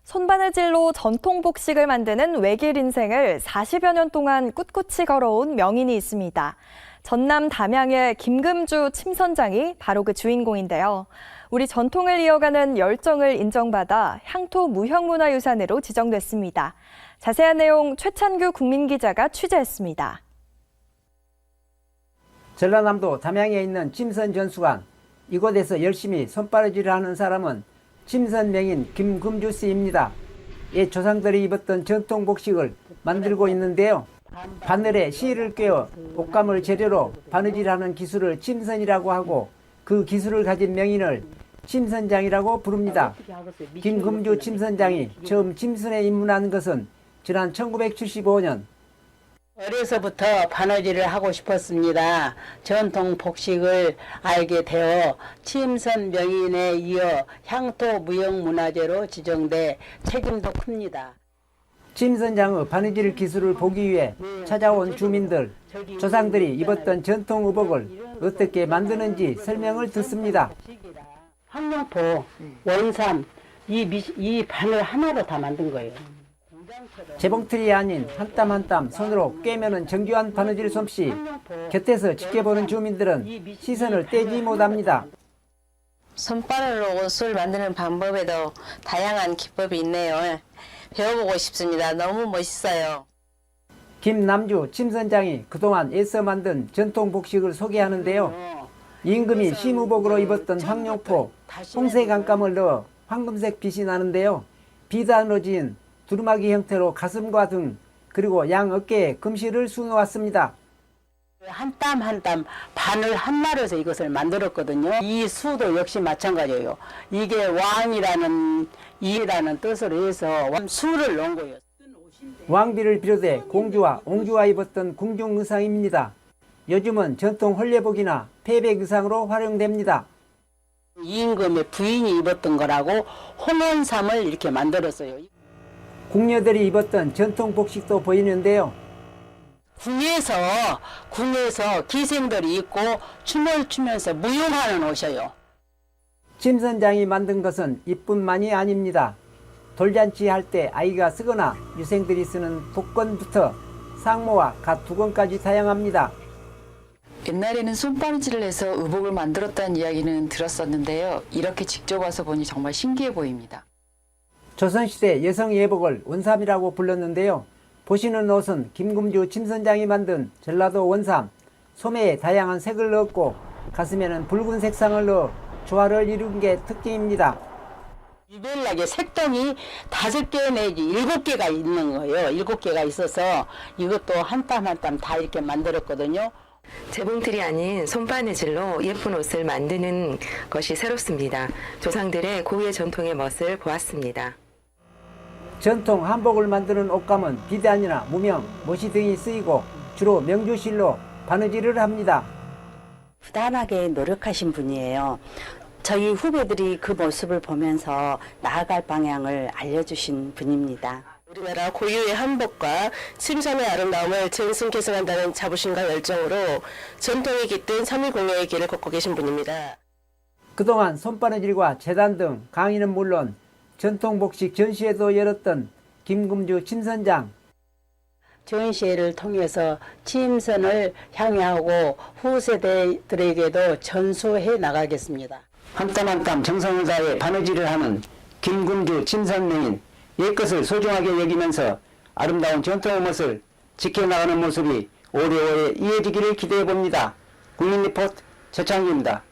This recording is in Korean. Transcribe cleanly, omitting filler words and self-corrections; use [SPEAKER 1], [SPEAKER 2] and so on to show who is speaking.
[SPEAKER 1] 손바느질로 전통 복식을 만드는 외길 인생을 40여 년 동안 꿋꿋이 걸어온 명인이 있습니다. 전남 담양의 김금주 침선장이 바로 그 주인공인데요. 우리 전통을 이어가는 열정을 인정받아 향토 무형문화유산으로 지정됐습니다. 자세한 내용 최찬규 국민기자가 취재했습니다.
[SPEAKER 2] 전라남도 담양에 있는 침선전수관, 이곳에서 열심히 손바느질을 하는 사람은 침선명인 김금주 씨입니다. 옛 조상들이 입었던 전통 복식을 만들고 있는데요. 바늘에 실을 꿰어 옷감을 재료로 바느질하는 기술을 침선이라고 하고 그 기술을 가진 명인을 침선장이라고 부릅니다. 김금주 침선장이 처음 침선에 입문한 것은 지난 1975년.
[SPEAKER 3] 어려서부터 바느질을 하고 싶었습니다. 전통 복식을 알게 되어 침선 명인에 이어 향토 무형문화재로 지정돼 책임도 큽니다.
[SPEAKER 2] 침선장의 바느질 기술을 보기 위해 찾아온 주민들, 조상들이 입었던 전통 의복을 어떻게 만드는지 설명을 듣습니다.
[SPEAKER 3] 황룡포, 원삼, 이 바늘 하나로 다 만든 거예요.
[SPEAKER 2] 재봉틀이 아닌 한 땀 한 땀 손으로 꿰매는 정교한 바느질 솜씨. 곁에서 지켜보는 주민들은 시선을 떼지 못합니다.
[SPEAKER 4] 손바늘로 옷을 만드는 방법에도 다양한 기법이 있네요. 배워보고 싶습니다. 너무 멋있어요.
[SPEAKER 2] 김남주 침선장이 그동안 애써 만든 전통 복식을 소개하는데요. 임금이 심의복으로 입었던 황룡포, 홍색 안감을 넣어 황금색 빛이 나는데요. 비단으로 지은 두루마기 형태로 가슴과 등 그리고 양 어깨에 금실을 수놓았습니다.
[SPEAKER 3] 한 땀 한 땀 바늘 하나로서 이것을 만들었거든요. 이 수도 역시 마찬가지예요. 이게 왕이라는 이라는 뜻으로 해서 수를 넣은 거예요.
[SPEAKER 2] 왕비를 비롯해 공주와 옹주가 입었던 궁중 의상입니다. 요즘은 전통 헐레복이나 패백 의상으로 활용됩니다.
[SPEAKER 3] 임금의 부인이 입었던 거라고 홍원삼을 이렇게 만들었어요.
[SPEAKER 2] 궁녀들이 입었던 전통 복식도 보이는데요.
[SPEAKER 3] 궁에서 기생들이 입고 춤을 추면서 무용하는 옷이에요.
[SPEAKER 2] 침선장이 만든 것은 이뿐만이 아닙니다. 돌잔치 할 때 아이가 쓰거나 유생들이 쓰는 복건부터 상모와 갓 두건까지 다양합니다.
[SPEAKER 5] 옛날에는 손바느질을 해서 의복을 만들었다는 이야기는 들었었는데요. 이렇게 직접 와서 보니 정말 신기해 보입니다.
[SPEAKER 2] 조선시대 여성 예복을 원삼이라고 불렀는데요. 보시는 옷은 김금주 침선장이 만든 전라도 원삼, 소매에 다양한 색을 넣었고 가슴에는 붉은 색상을 넣어 조화를 이룬 게 특징입니다.
[SPEAKER 3] 유별나게 색동이 5개 내지 7개가 있는 거예요. 7개가 있어서 이것도 한 땀 한 땀 다 이렇게 만들었거든요.
[SPEAKER 6] 재봉틀이 아닌 손바느질로 예쁜 옷을 만드는 것이 새롭습니다. 조상들의 고유의 전통의 멋을 보았습니다.
[SPEAKER 2] 전통 한복을 만드는 옷감은 비단이나 무명, 모시 등이 쓰이고 주로 명주실로 바느질을 합니다.
[SPEAKER 7] 부단하게 노력하신 분이에요. 저희 후배들이 그 모습을 보면서 나아갈 방향을 알려주신 분입니다.
[SPEAKER 4] 우리나라 고유의 한복과 침선의 아름다움을 전승 계승한다는 자부심과 열정으로 전통이 깃든 3.1공예의 길을 걷고 계신 분입니다.
[SPEAKER 2] 그동안 손바느질과 재단 등 강의는 물론 전통 복식 전시회도 열었던 김금주 침선장.
[SPEAKER 3] 전시회를 통해서 침선을 향유하고 후세대들에게도 전수해 나가겠습니다.
[SPEAKER 2] 한 땀 한 땀 정성을 다해 바느질을 하는 김금주 침선명인 옛것을 소중하게 여기면서 아름다운 전통의 멋을 지켜나가는 모습이 오래오래 이어지기를 기대해 봅니다. 국민리포트 최창규입니다.